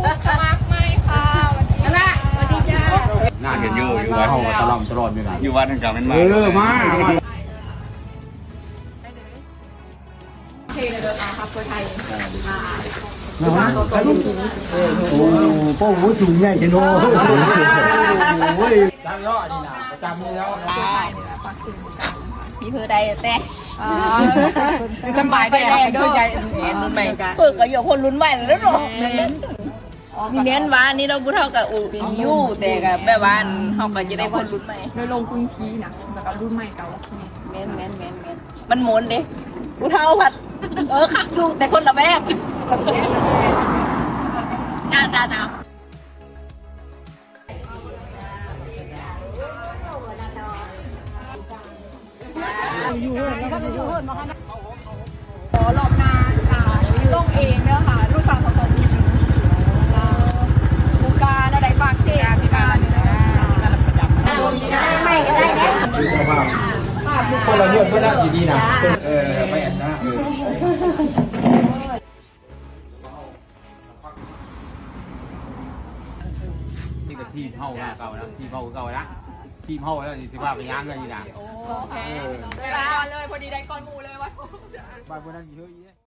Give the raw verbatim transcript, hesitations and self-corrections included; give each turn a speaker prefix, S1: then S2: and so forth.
S1: สมัครไหมค่ะวันนี้นะสวัสดีจ้า
S2: น่าเห็นอยู่อยู่วัด
S3: เขาตลอดตลอดอยู่ไหน
S2: อยู่วัดทางการเป็นมา
S3: เออมา
S1: เพลงเดินทางครับคนไทย
S3: โอ้โหโอ้สูงใหญ่จังโอ้ยจำยอดนี่นะประจำแล้ว
S4: มีเพื่อใดแต่
S1: สบายได้แรงด้วย
S4: เห็นรุ่นใหม่เปิดก็อยู่คนรุ่นใหม่แล้วเนาะมีเน้นว่านี่เราพูดเท่ากับอูยู่แต่กับแบบว่าเขาก็จะได้คนรุ่นใหม่
S1: โดยลงพื้นที่นะแล้วก็รุ่นใหม่เก่า
S4: เม้นเม้นเม้นเม้นมันหมุนดิพูดเท่าผัดเออคักดูแต่คนละแบบจ้าจ้าจ้า
S1: ขอรอบนาค่ะลงเองเนาะค่ะรุ่นสาวผสมจริงบูการอะไรปากเสียพี่การไม่ก็ได้เนี่ย
S3: คือสภาพคนเราเลือกไม่ได้อยู่ดีนะเออไม่เห็นนะเออนี่ก็ทีมเฮาเก่านะทีมเฮาเก่านะทีมเฮาแล้วสิว่าไปย่างเลยนี่นะ
S1: โอเคเวลาเลยพอดีได้ก้อนมูเลยวะ
S3: บ้านพวกนั้นอยู่เยอะ